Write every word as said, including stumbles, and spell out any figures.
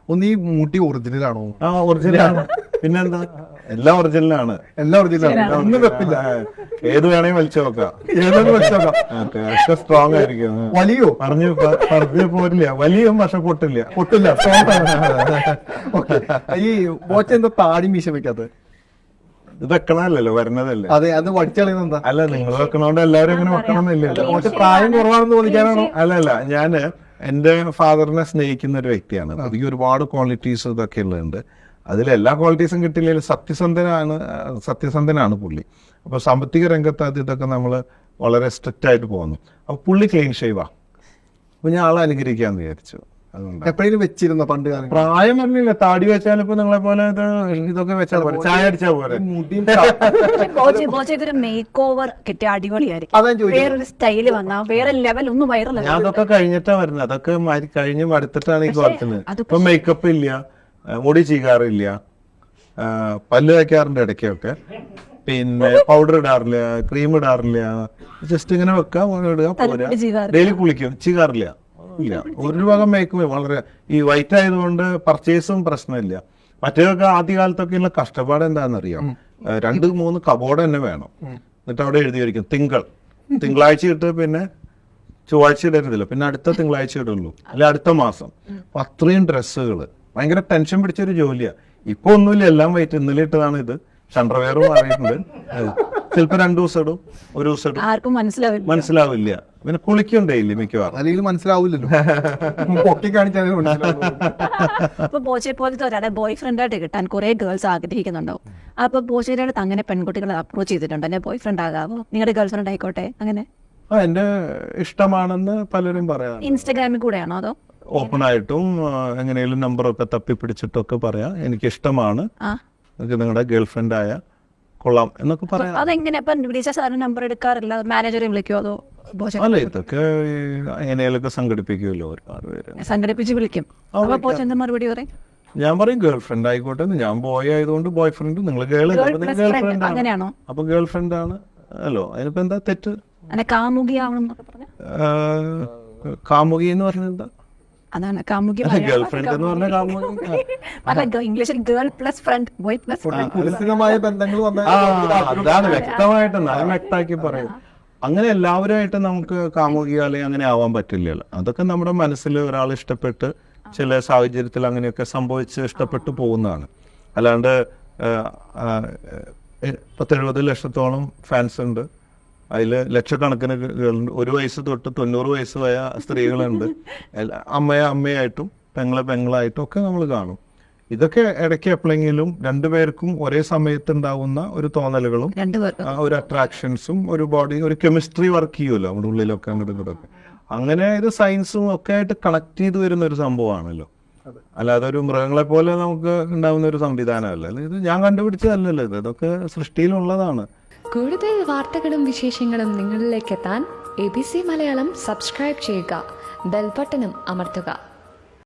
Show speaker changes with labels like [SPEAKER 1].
[SPEAKER 1] ഒന്ന് ഈ മുടി ഒറിജിനൽ ആണോ?
[SPEAKER 2] ആ ഒറിജിനലാണ്. പിന്നെന്താ, എല്ലാം ഒറിജിനലാണ്.
[SPEAKER 1] എല്ലാം ഒറിജിനലാണ്, ഒന്നും വെപ്പില്ല.
[SPEAKER 2] ഏത് വേണേ വലിച്ചു നോക്കാം,
[SPEAKER 1] ഏതൊന്നും വെച്ചോക്കാം.
[SPEAKER 2] പക്ഷെ സ്ട്രോങ് ആയിരിക്കും.
[SPEAKER 1] വലിയോ?
[SPEAKER 2] പറഞ്ഞു പറഞ്ഞു പോരില്ല, വലിയും പക്ഷെ പൊട്ടില്ല.
[SPEAKER 1] പൊട്ടില്ല, സ്ട്രോങ് ആണ്. ഓക്കെ. ഈ ബോച്ച എന്താ താടി മീശ വെക്കാത്തത്?
[SPEAKER 2] ഇത് വെക്കണമല്ലല്ലോ, വരുന്നതല്ലേ.
[SPEAKER 1] അതെ, അത് വടിച്ചളയുന്ന എന്താ?
[SPEAKER 2] അല്ല, നിങ്ങൾ വെക്കണോണ്ട് എല്ലാവരും അങ്ങനെ വെക്കണമെന്നില്ലല്ലോ.
[SPEAKER 1] കുറച്ച് പ്രായം കുറവാണെന്ന് തോന്നിക്കാനാണോ?
[SPEAKER 2] അല്ല അല്ല ഞാന് എന്റെ ഫാദറിനെ സ്നേഹിക്കുന്ന ഒരു വ്യക്തിയാണ്. അതിൽ ഒരുപാട് ക്വാളിറ്റീസ് ഇതൊക്കെ ഉള്ളതുണ്ട്. അതിൽ എല്ലാ ക്വാളിറ്റീസും കിട്ടിയില്ലെങ്കിൽ സത്യസന്ധനാണ് സത്യസന്ധനാണ് പുള്ളി. അപ്പൊ സാമ്പത്തിക രംഗത്ത് അത് ഇതൊക്കെ നമ്മൾ വളരെ സ്ട്രിക്റ്റ് ആയിട്ട് പോകുന്നു. അപ്പൊ പുള്ളി ക്ലീൻ ഷേവാ. അപ്പൊ ഞാൻ ആളെ അനുകരിക്കാന്ന് വിചാരിച്ചു. അതുകൊണ്ട്
[SPEAKER 1] എപ്പോഴേലും വെച്ചിരുന്നോ പണ്ട് കാലം?
[SPEAKER 2] പ്രായം പറഞ്ഞില്ല, താടി വെച്ചാൽ ഇപ്പൊ നിങ്ങളെ പോലെ ഇതൊക്കെ വെച്ചാൽ പോലെ, ചായ അടിച്ചാൽ പോലെ.
[SPEAKER 3] ഇതൊരു മേക്ക് ഓവർ കിട്ടിയ അടിപൊളിയായിരിക്കും.
[SPEAKER 1] അതാ ചോദിച്ചത്.
[SPEAKER 3] വേറൊരു സ്റ്റൈല് വന്നാ വേറെ ലെവൽ ഒന്ന് വൈറൽ.
[SPEAKER 2] ഞാൻ അതൊക്കെ കഴിഞ്ഞിട്ടാ വരുന്നത്. അതൊക്കെ മാറ്റി കഴിഞ്ഞ് മടുത്തിട്ടാണ് ഈ കോർക്കുന്നത്. ഇപ്പൊ മേക്കപ്പ് ഇല്ല, മുടി ചീകാറില്ല, പല്ല് വയ്ക്കാറുണ്ട് ഇടയ്ക്കൊക്കെ, പിന്നെ പൗഡർ ഇടാറില്ല, ക്രീം ഇടാറില്ല, ജസ്റ്റ് ഇങ്ങനെ വെക്കാം, ഇടുക, പോരാ. ഡെയിലി കുളിക്കും, ചീകാറില്ല, ഇല്ല ഒരു ഭാഗം മേക്കും. വളരെ ഈ വൈറ്റ് ആയതുകൊണ്ട് പർച്ചേസും പ്രശ്നമില്ല. മറ്റേതൊക്കെ ആദ്യകാലത്തൊക്കെയുള്ള കഷ്ടപ്പാട് എന്താണെന്നറിയാം. രണ്ട് മൂന്ന് കബോർഡ് തന്നെ വേണം. എന്നിട്ട് അവിടെ എഴുതിയിരിക്കും തിങ്കൾ, തിങ്കളാഴ്ച ഇട്ട് പിന്നെ ചൊവ്വാഴ്ച ഇടരുതില്ല, പിന്നെ അടുത്ത തിങ്കളാഴ്ച ഇടുള്ളൂ, അല്ലെ അടുത്ത മാസം. അപ്പൊ അത്രയും ഡ്രസ്സുകൾ ഭയങ്കര ടെൻഷൻ പിടിച്ചൊരു ജോലിയാ. ഇപ്പൊ ഒന്നുമില്ല, എല്ലാം വൈറ്റ്. ഇന്നലെ ഇട്ടതാണ് ഇത്. അണ്ടർവെയറും മാറിയിട്ടുണ്ട്. ചിലപ്പോ രണ്ടു ദിവസം ഇടും, ഒരു ദിവസം ഇടും,
[SPEAKER 3] ആർക്കും മനസ്സിലാവില്ല
[SPEAKER 2] മനസ്സിലാവില്ല. പിന്നെ കുളിക്കണ്ടേ ഇല്ല മിക്കവാറും,
[SPEAKER 1] അല്ലെങ്കിൽ മനസ്സിലാവില്ലല്ലോ. പൊക്കി കാണിച്ചാൽ
[SPEAKER 3] അപ്പൊ ബോച്ചെ പോലത്തെ ഒരാളെ ബോയ് ഫ്രണ്ട് ആയിട്ട് കിട്ടാൻ കുറെ ഗേൾസ് ആഗ്രഹിക്കുന്നുണ്ടാവും. അപ്പൊ ബോച്ചയുടെ അടുത്ത് അങ്ങനെ പെൺകുട്ടികളെ അപ്രോച്ച് ചെയ്തിട്ടുണ്ട്, എന്നെ ബോയ് ഫ്രണ്ട് ആകാവോ, നിങ്ങളുടെ ഗേൾ ഫ്രണ്ട് ആയിക്കോട്ടെ, അങ്ങനെ?
[SPEAKER 2] ആ എന്റെ ഇഷ്ടമാണെന്ന് പലരും പറയാം.
[SPEAKER 3] ഇൻസ്റ്റഗ്രാമിൽ കൂടെയാണോ അതോ
[SPEAKER 2] ഓപ്പൺ ആയിട്ടും എങ്ങനെയും നമ്പറൊക്കെ തപ്പി പിടിച്ചിട്ടൊക്കെ പറയാം എനിക്ക് ഇഷ്ടമാണ്, നിങ്ങളുടെ ഗേൾ ഫ്രണ്ട് ആയ കൊള്ളാം എന്നൊക്കെ പറയാം.
[SPEAKER 3] അതെങ്ങനെ വിളിച്ച സാറിന് നമ്പർ എടുക്കാറില്ല, മാനേജറെ വിളിക്കുമോ അതോ?
[SPEAKER 2] അല്ല, ഇതൊക്കെ എങ്ങനെയൊക്കെ സംഘടിപ്പിക്കുമല്ലോ ഒരുപാട് പേര്,
[SPEAKER 3] സംഘടിപ്പിച്ച് വിളിക്കും. അപ്പൊ എന്താ മറുപടി പറയും?
[SPEAKER 2] ഞാൻ പറയും ഗേൾ ഫ്രണ്ട് ആയിക്കോട്ടെ. ഞാൻ ബോയ് ആയതുകൊണ്ട് ബോയ് ഫ്രണ്ട്, നിങ്ങൾ ഗേൾ ഗേൾ ഫ്രണ്ട്
[SPEAKER 3] അങ്ങനെയാണോ?
[SPEAKER 2] അപ്പൊ ഗേൾ ഫ്രണ്ട് ആണ് അല്ലോ, അതിനിപ്പോ എന്താ തെറ്റ്?
[SPEAKER 3] കാമുകിയാവണം
[SPEAKER 2] കാമുകി എന്ന് പറഞ്ഞത് എന്താ?
[SPEAKER 3] അതാണ് കാമുകി.
[SPEAKER 2] ഗേൾ ഫ്രണ്ട് എന്ന് പറഞ്ഞ കാമുകി
[SPEAKER 3] ഇംഗ്ലീഷിൽ girl plus friend, boy plus
[SPEAKER 1] ബന്ധങ്ങൾ
[SPEAKER 2] അതാണ് വ്യക്തമായിട്ട് ഞാൻ വ്യക്തമാക്കി പറയും. അങ്ങനെ എല്ലാവരുമായിട്ട് നമുക്ക് കാമുകിയോ അല്ലെങ്കിൽ അങ്ങനെ ആവാൻ പറ്റില്ലല്ലോ. അതൊക്കെ നമ്മുടെ മനസ്സിൽ ഒരാൾ ഇഷ്ടപ്പെട്ട് ചില സാഹചര്യത്തിൽ അങ്ങനെയൊക്കെ സംഭവിച്ച് ഇഷ്ടപ്പെട്ടു പോകുന്നതാണ്. അല്ലാണ്ട് പത്തെഴുപത് ലക്ഷത്തോളം ഫാൻസ് ഉണ്ട്, അതിൽ ലക്ഷക്കണക്കിന് ഒരു വയസ്സ് തൊട്ട് തൊണ്ണൂറ് വയസ്സ് വയ സ്ത്രീകളുണ്ട്. അമ്മയെ അമ്മയായിട്ടും പെങ്ങളെ പെങ്ങളായിട്ടും ഒക്കെ നമ്മൾ കാണും. ഇതൊക്കെ ഇടയ്ക്ക് എപ്പോഴെങ്കിലും രണ്ടുപേർക്കും ഒരേ സമയത്ത് ഉണ്ടാവുന്ന ഒരു തോന്നലുകളും ഒരു അട്രാക്ഷൻസും ഒരു ബോഡി ഒരു കെമിസ്ട്രി വർക്ക് ചെയ്യുമല്ലോ നമ്മുടെ ഉള്ളിലൊക്കെ അങ്ങോട്ടും ഇങ്ങോട്ടൊക്കെ. അങ്ങനെ ഇത് സയൻസും ഒക്കെ ആയിട്ട് കണക്ട് ചെയ്ത് വരുന്ന ഒരു സംഭവമാണല്ലോ. അല്ലാതെ ഒരു മൃഗങ്ങളെ പോലെ നമുക്ക് ഉണ്ടാവുന്ന ഒരു സംവിധാനമല്ല ഇത്. ഞാൻ കണ്ടുപിടിച്ചതല്ലല്ലോ ഇത്, ഇതൊക്കെ സൃഷ്ടിയിലുള്ളതാണ്.
[SPEAKER 4] കൂടുതൽ വാർത്തകളും വിശേഷങ്ങളും നിങ്ങളിലേക്ക് എത്താൻ A B C Malayalam subscribe ചെയ്യുക, ബെൽ ബട്ടണും അമർത്തുക.